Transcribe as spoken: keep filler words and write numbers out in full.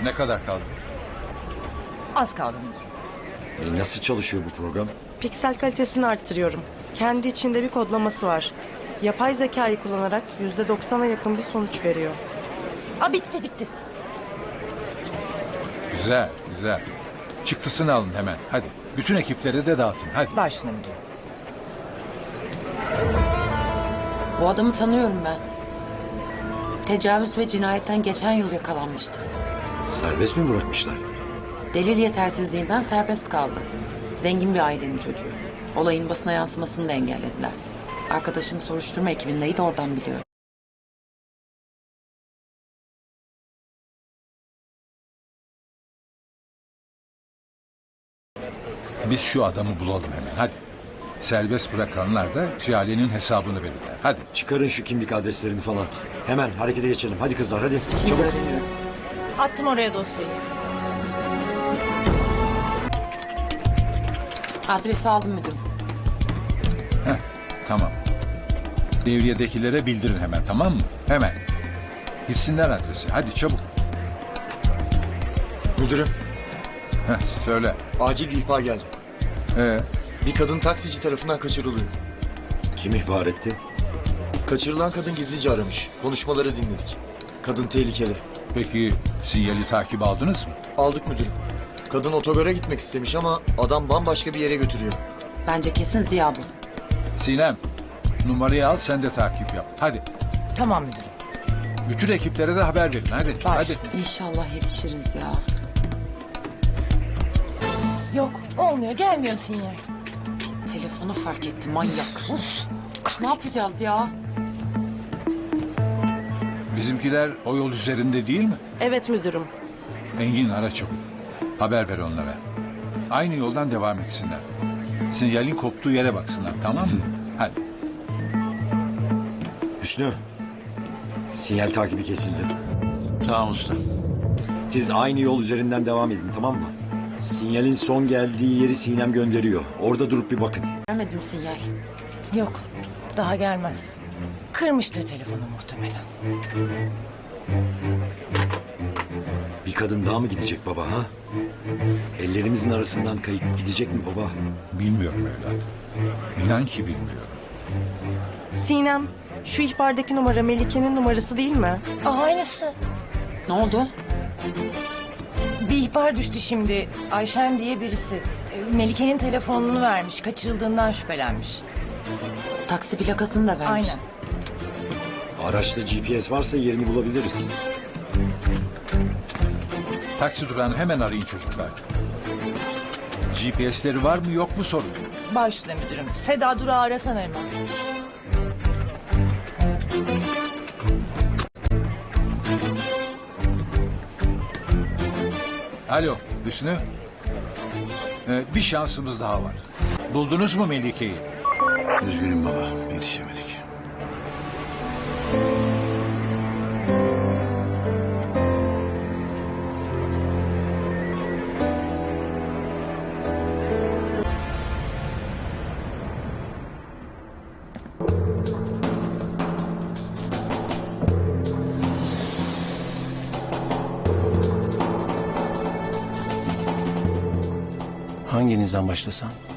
Ne kadar kaldı? Az kaldı müdürüm. E nasıl çalışıyor bu program? Piksel kalitesini arttırıyorum. Kendi içinde bir kodlaması var. Yapay zekayı kullanarak yüzde doksana yakın bir sonuç veriyor. Aa, bitti bitti. Güzel, güzel. Çıktısını alın hemen. Hadi. Bütün ekiplere de dağıtın. Hadi. Başüstüne müdürüm. Bu adamı tanıyorum ben. Tecavüz ve cinayetten geçen yıl yakalanmıştı. Serbest mi bırakmışlar? Delil yetersizliğinden serbest kaldı. Zengin bir ailenin çocuğu. Olayın basına yansımasını da engellediler. Arkadaşım soruşturma ekibindeydi, oradan biliyor. Biz şu adamı bulalım hemen. Hadi. Serbest bırakanlar da Jale'nin hesabını verirler. Hadi. Çıkarın şu kimlik adreslerini falan. Hemen harekete geçelim. Hadi kızlar hadi. Şimdi Çabuk. öğreniyorum. Attım oraya dosyayı. Adresi aldım müdürüm. Heh, tamam. Devriyedekilere bildirin hemen, tamam mı? Hemen. Gitsinler adresi. Hadi çabuk. Müdürüm, Heh, söyle. acil bir ihbar geldi. Ee, Bir kadın taksici tarafından kaçırılıyor. Kim ihbar etti? Kaçırılan kadın gizlice aramış. Konuşmaları dinledik. Kadın tehlikeli. peki sinyali takip aldınız mı? Aldık müdürüm. Kadın otogara gitmek istemiş ama adam bambaşka bir yere götürüyor. Bence kesin Ziya bu. Sinem, numarayı al, sen de takip yap. Hadi. Tamam müdürüm. Bütün ekiplere de haber verin. Hadi. Baş. Hadi. İnşallah yetişiriz ya. Yok olmuyor, gelmiyor sinyal. Telefonu fark etti manyak. Uf, ne yapacağız ya? Bizimkiler o yol üzerinde değil mi? Evet müdürüm. Engin, ara çabuk. Haber ver onlara. Aynı yoldan devam etsinler. Sinyalin koptuğu yere baksınlar, tamam mı? Hadi. Hüsnü. Sinyal takibi kesildi. Tamam usta. Siz aynı yol üzerinden devam edin, tamam mı? Sinyalin son geldiği yeri Sinem gönderiyor. Orada durup bir bakın. Gelmedi mi sinyal? Yok, daha gelmez. Kırmıştır telefonu muhtemelen. Bir kadın daha mı gidecek baba ha? Ellerimizin arasından kayıp gidecek mi baba? Bilmiyorum evlat. İnan ki bilmiyorum. Sinem, şu ihbardaki numara Melike'nin numarası değil mi? Aa, aynısı. Ne oldu? Bir ihbar düştü şimdi. Ayşen diye birisi. E, Melike'nin telefonunu vermiş. Kaçırıldığından şüphelenmiş. Taksi plakasını da vermiş. Aynen. Araçta G P S varsa yerini bulabiliriz. Taksi durağını hemen arayın çocuklar. G P S'leri var mı yok mu sorun. Başüstüne müdürüm. Seda Durağı arasana hemen. Alo Hüsnü. Ee, bir şansımız daha var. Buldunuz mu Melike'yi? Üzgünüm baba, yetişemedik. Hanginizden başlasam?